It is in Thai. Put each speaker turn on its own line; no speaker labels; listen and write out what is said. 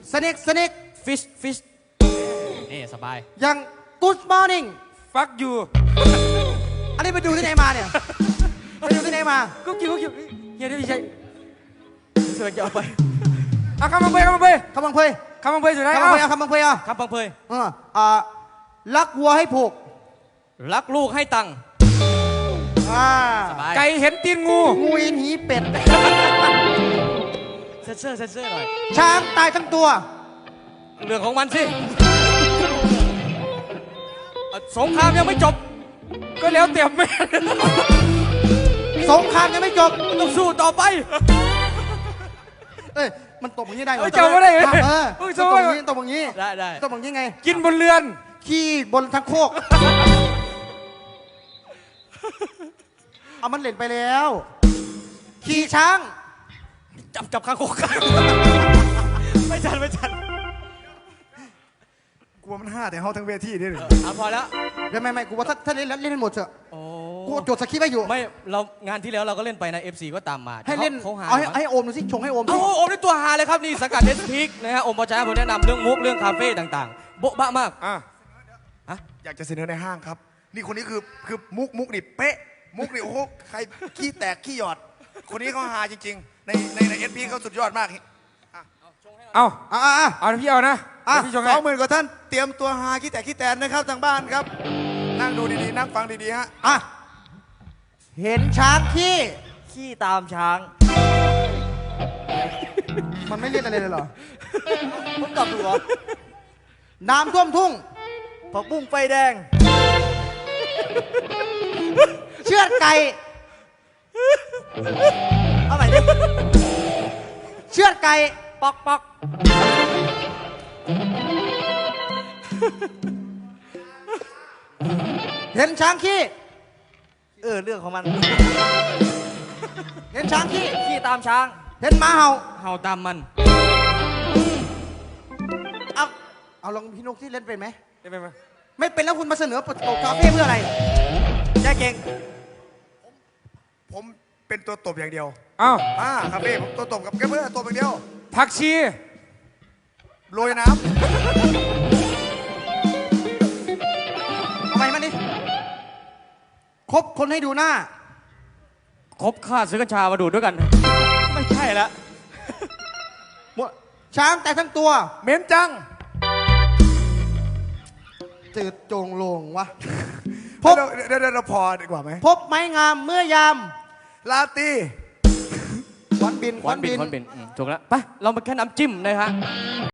snake
fish นี่สบาย
ยัง good morning
fuck you
อันนี้ไปดูที่ไหนมาเนี่ย ไปดูที่ไหนมา
กุ๊กกิ๊กเฮียได้พี่ชัย
เสือกจะเอาไป
อ่ะคำบังเพยคำบังเพย
คำบังเพย
คำบังเพยสุดท้าย
คำบังเพยคำบังเพย
ครับพังเพย
รักวัวให้ผูก
รักลูกให้ตังค์สบาย
ไก่เห็นตีนงู
งูอินหีเป็ด
เซอร์หน่อย
ช้างตายทั้งตัว
เรื่องของมันสิสงครามยังไม่จบ
ก็แล้วเต็มแม่
สงครามยังไม่จบ
ต้องสู้ต่อไป
เอ้ยมันตบอย่างนี้ได้เหรอ
จำไม่ได้เลย
เออ
มึง
ต
สู้
บอย่างนี้ตบอย่างนี้
ได้
ตบอย่างนี้ไง
กินบนเรือน
ขี้บนทั้งโคก เอามันเล่นไปแล้ว ขี่ช้าง
จับข้างโคกไม่ทัน
กลัวมันห้าแต่เขาทั้งเวทีนี่เลย
พอแล้ว
ไม่กูว่าถ้าเล่นแล้วเล่นให้หมดเถอะ
โอ้
กูจดสคริปต์ไว้อยู่
ไม่เรางานที่แล้วเราก็เล่นไปนะ FC ก็ตามมา
ให้เล่น
เขาหา
เอาให้โอมดูสิชงให้โอม
เอา
สิ
โอมได้ตัวหาเลยครับนี่สกัดเดสพิกนะฮะโอมปอจ้าผมแนะนำเรื่องมุกเรื่องคาเฟ่ต่างๆโบ๊ะบะมาก
อยากจะเสนอในห้างครับ นี่คนนี้คือมุกนี่เป๊ะ มุกนี่โอ้โหใครขี้แตกขี้หยอด คนนี้เขาหาจริงๆ ในเอสพีเขาสุดยอดมาก
เอา
อ่ะ
เอาพี่เอานะ
อ่ะ
เดี๋ยวพี่ชงให้
20,000กว่าท่านเตรียมตัวหาขี้แตกขี้แตนนะครับทางบ้านครับ นั่งดูดีๆนั่งฟังดีๆฮะ
อ่ะเห็นช้างขี้
ขี้ตามช้าง
มันไม่เล่นอะไรเลยเหรอ
ผมตอบถูกเหรอ
น้ำท่วมทุ่ง
ผักบุ้งไฟแดง
เชือดไก่
เอาใหม่ดิ
เชือดไก่
ปอก
เห็นช้างขี้
เรื่องของมัน
เห็นช้างขี้
ขี้ตามช้าง
เห็นหมาเห่า
เห่าตามมัน
เอาลองพี่นกที่เล่นเป็นไหม
ได้ไหม
ไม่เป็นแล้วคุณมาเสนอประตูคาเฟ่เพื่ออะไร
แจ๊เก่ง
ผมเป็นตัวตบอย่างเดียว
เอา
ครับพี่ผมตัวตบกับแกเพื่อตบอย่างเดียว
ผักชี
โรยน้
เอาไปมันดิครบคนให้ดูหน้า
ครบค่าซื้อกัญชามาดูดด้วยกัน ไม่ใช่ละ
ช้างแต่ทั้งตัว
เหม็นจัง
จืดโจงโลงวะ
ำ
พบ
เดี๋ยวพอดีกว่าไหม
พบไม้งามเมื่อยาม
ลาตี
ควันบิน
ควันบินถูกแล้วไปเรามาแค่น้ำจิ้มนะฮะ